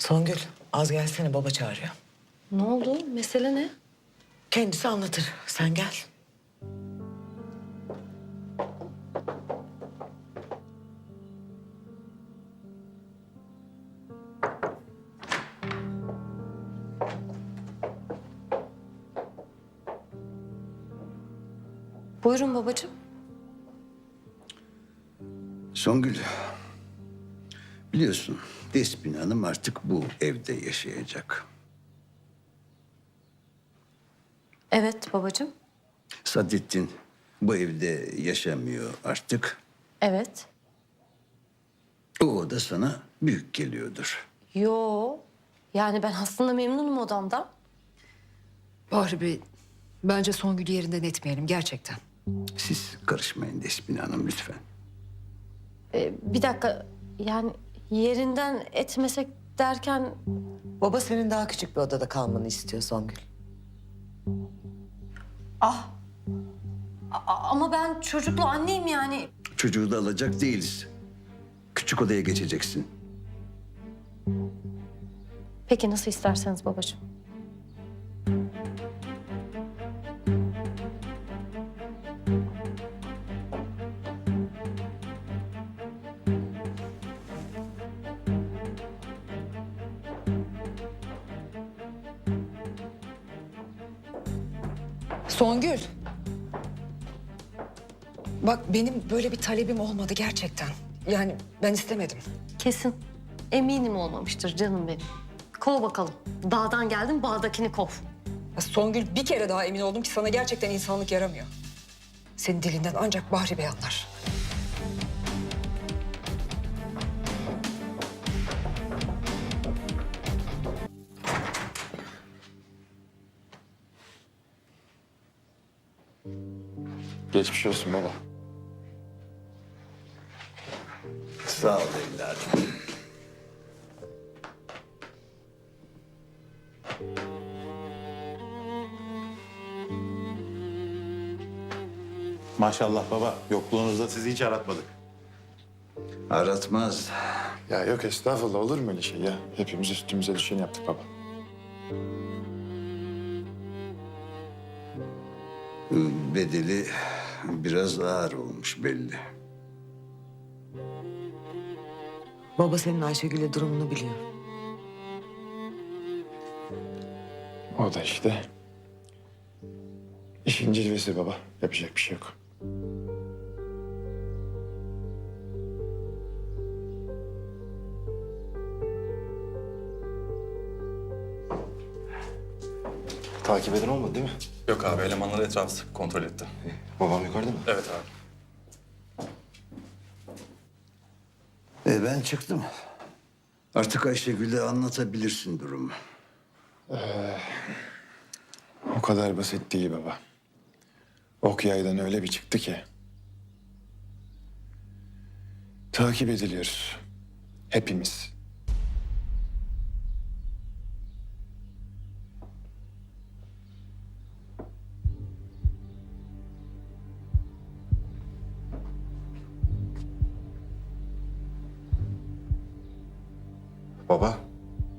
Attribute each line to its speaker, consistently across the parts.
Speaker 1: Songül, az gelsene, baba çağırıyor.
Speaker 2: Ne oldu? Mesele ne?
Speaker 1: Kendisi anlatır. Sen gel.
Speaker 2: Buyurun babacığım.
Speaker 3: Songül, biliyorsun Despin Hanım artık bu evde yaşayacak.
Speaker 2: Evet babacığım.
Speaker 3: Sadettin bu evde yaşamıyor artık.
Speaker 2: Evet.
Speaker 3: O oda sana büyük geliyordur.
Speaker 2: Yo. Yani ben aslında memnunum odamdan.
Speaker 4: Bahri Bey, bence Songül'ü yerinden etmeyelim gerçekten.
Speaker 3: Siz karışmayın Despin Hanım lütfen.
Speaker 2: Bir dakika. Yani yerinden etmesek derken...
Speaker 1: Baba senin daha küçük bir odada kalmanı istiyor Songül.
Speaker 2: Ama ben çocuklu anneyim yani.
Speaker 3: Çocuğu da alacak değiliz. Küçük odaya geçeceksin.
Speaker 2: Peki nasıl isterseniz babacığım.
Speaker 4: Songül. Bak benim böyle bir talebim olmadı gerçekten. Yani ben istemedim.
Speaker 2: Kesin. Eminim olmamıştır canım benim. Kov bakalım. Dağdan geldin, bağdakini kov.
Speaker 4: Ya Songül, bir kere daha emin oldum ki sana gerçekten insanlık yaramıyor. Senin dilinden ancak Bahri Bey anlar.
Speaker 5: Geçmiş olsun baba.
Speaker 3: Sağ ol evladım.
Speaker 5: Maşallah baba. Yokluğunuzda sizi hiç aratmadık.
Speaker 3: Aratmaz.
Speaker 5: Ya yok estağfurullah, olur mu öyle şey ya? Hepimiz üstümüze düşeni yaptık baba.
Speaker 3: Bedeli biraz ağır olmuş belli.
Speaker 1: Baba senin Ayşegül'le durumunu biliyor.
Speaker 5: O da işte işin cilvesi baba. Yapacak bir şey yok.
Speaker 6: Takip eden olmadı değil mi?
Speaker 7: Yok abi, elemanlar etrafı sık kontrol etti.
Speaker 6: Babam yukarıda mı?
Speaker 7: Evet abi.
Speaker 3: Ben çıktım. Artık Ayşegül'e anlatabilirsin durumu.
Speaker 5: O kadar basit değil baba. Ok yaydan öyle bir çıktı ki. Takip ediliyoruz. Hepimiz.
Speaker 6: Baba.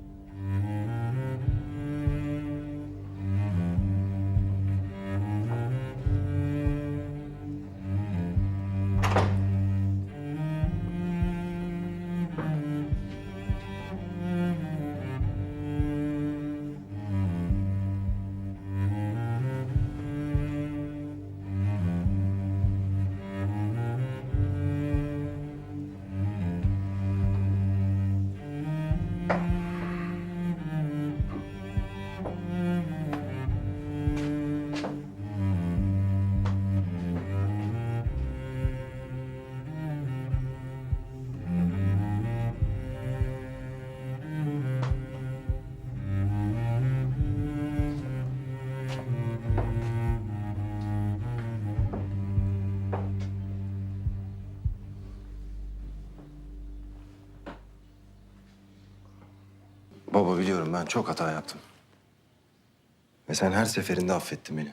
Speaker 6: Baba biliyorum ben çok hata yaptım. Ve sen her seferinde affettin beni.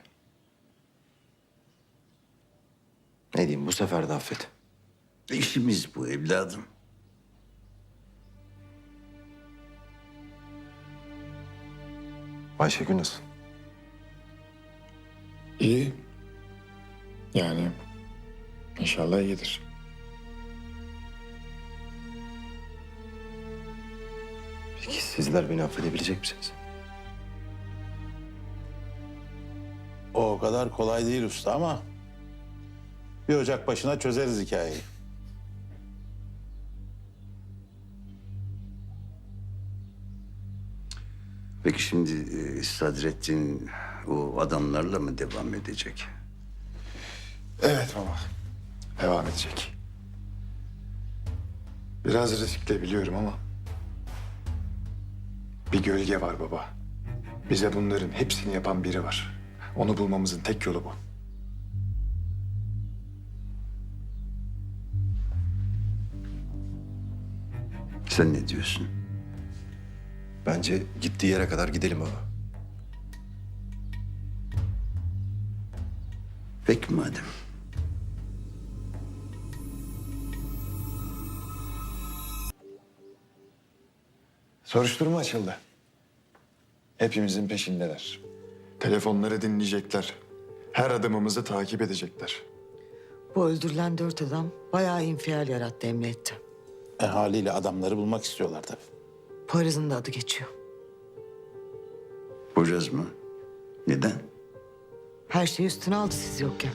Speaker 6: Ne diyeyim, bu sefer de affet.
Speaker 3: İşimiz bu evladım.
Speaker 6: Ayşegül nasıl?
Speaker 5: İyi. Yani inşallah iyidir.
Speaker 6: Peki sizler beni affedebilecek misiniz?
Speaker 8: O kadar kolay değil usta ama bir ocak başına çözeriz hikayeyi.
Speaker 3: Peki şimdi Sadrettin o adamlarla mı devam edecek?
Speaker 5: Evet baba. Devam edecek. Biraz riskli biliyorum ama bir gölge var baba. Bize bunların hepsini yapan biri var. Onu bulmamızın tek yolu bu.
Speaker 3: Sen ne diyorsun?
Speaker 6: Bence gittiği yere kadar gidelim baba.
Speaker 3: Peki madem.
Speaker 5: Soruşturma açıldı. Hepimizin peşindeler. Telefonları dinleyecekler. Her adımımızı takip edecekler.
Speaker 1: Bu öldürülen 4 adam bayağı infial yarattı emniyette.
Speaker 8: Haliyle adamları bulmak istiyorlar tabii.
Speaker 1: Poyraz'ın da adı geçiyor.
Speaker 3: Poyraz mı? Neden?
Speaker 1: Her şeyi üstüne aldı siz yokken.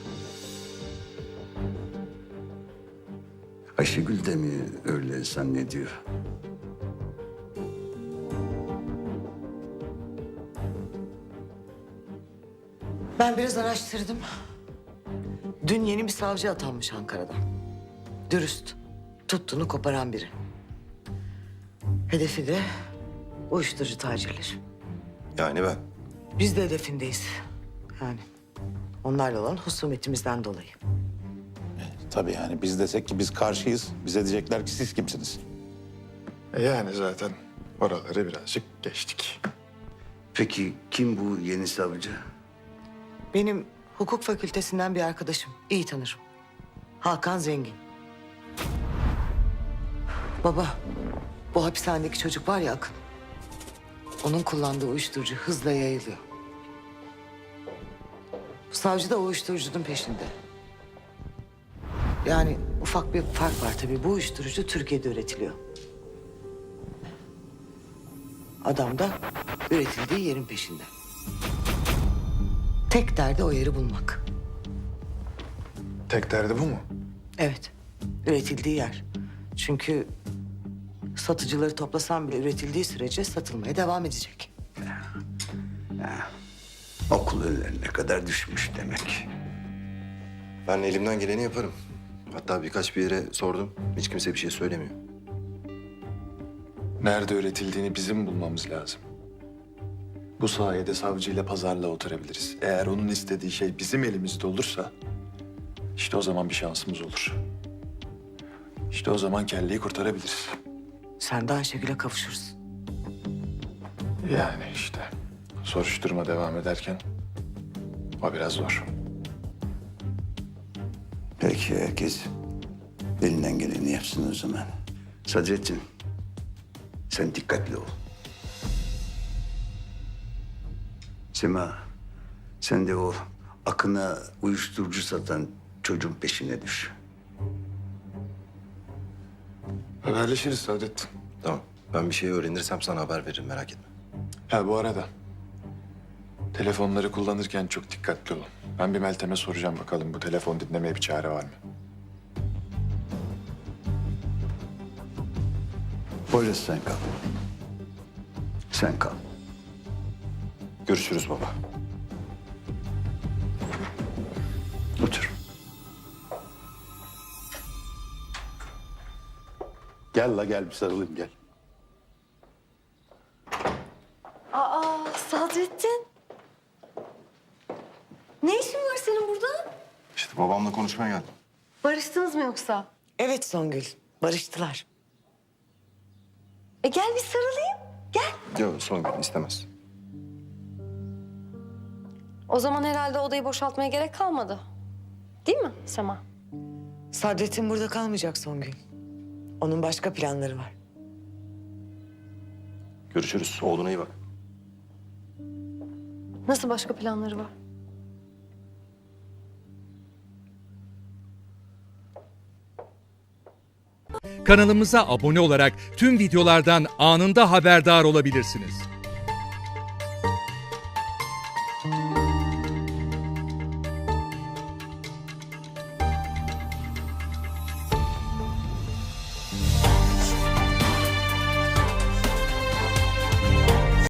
Speaker 3: Ayşegül de mi öyle zannediyor?
Speaker 1: Ben biraz araştırdım. Dün yeni bir savcı atanmış Ankara'da. Dürüst, tuttuğunu koparan biri. Hedefi de uyuşturucu tacirleri.
Speaker 6: Yani ben.
Speaker 1: Biz de hedefindeyiz. Yani onlarla olan husumetimizden dolayı.
Speaker 8: Tabii yani biz desek ki biz karşıyız. Bize diyecekler ki siz kimsiniz?
Speaker 5: Yani zaten oraları birazcık geçtik.
Speaker 3: Peki kim bu yeni savcı?
Speaker 1: Benim hukuk fakültesinden bir arkadaşım. İyi tanırım. Hakan Zengin. Baba, bu hapishanedeki çocuk var ya Akın. Onun kullandığı uyuşturucu hızla yayılıyor. Bu savcı da o uyuşturucunun peşinde. Yani ufak bir fark var tabii. Bu uyuşturucu Türkiye'de üretiliyor. Adam da üretildiği yerin peşinde. Tek derdi o yeri bulmak.
Speaker 5: Tek derdi bu mu?
Speaker 1: Evet, üretildiği yer. Çünkü satıcıları toplasan bile üretildiği sürece satılmaya devam edecek.
Speaker 3: Okul önlerine kadar düşmüş demek.
Speaker 6: Ben elimden geleni yaparım. Hatta birkaç bir yere sordum. Hiç kimse bir şey söylemiyor.
Speaker 5: Nerede üretildiğini bizim bulmamız lazım. Bu sayede savcıyla pazarlığa oturabiliriz. Eğer onun istediği şey bizim elimizde olursa işte o zaman bir şansımız olur. İşte o zaman kelleyi kurtarabiliriz.
Speaker 1: Sen de Ayşegül'e kavuşursun.
Speaker 5: Yani işte soruşturma devam ederken o biraz zor.
Speaker 3: Peki herkes elinden geleni yapsın o zaman. Sadrettin, sen dikkatli ol. Sema, sen de o Akın'a uyuşturucu satan çocuğun peşine düş.
Speaker 5: Haberleşiriz Saadettin.
Speaker 6: Tamam. Ben bir şey öğrenirsem sana haber veririm, merak etme.
Speaker 5: Ha bu arada telefonları kullanırken çok dikkatli olun. Ben bir Meltem'e soracağım bakalım bu telefon dinlemeye bir çare var mı?
Speaker 3: Poyraz sen kal. Sen kal.
Speaker 6: Görüşürüz baba.
Speaker 3: Otur.
Speaker 8: Gel la gel bir sarılayım gel.
Speaker 2: Aa Sadrettin. Ne işin var senin burada?
Speaker 6: İşte babamla konuşmaya geldim.
Speaker 2: Barıştınız mı yoksa?
Speaker 1: Evet Songül, barıştılar.
Speaker 2: Gel bir sarılayım. Gel.
Speaker 6: Yok Songül istemez.
Speaker 2: O zaman herhalde odayı boşaltmaya gerek kalmadı. Değil mi Sema?
Speaker 1: Sadrettin burada kalmayacak Songül. Onun başka planları var.
Speaker 6: Görüşürüz. Oğluna iyi bak.
Speaker 2: Nasıl başka planları var?
Speaker 9: Kanalımıza abone olarak tüm videolardan anında haberdar olabilirsiniz.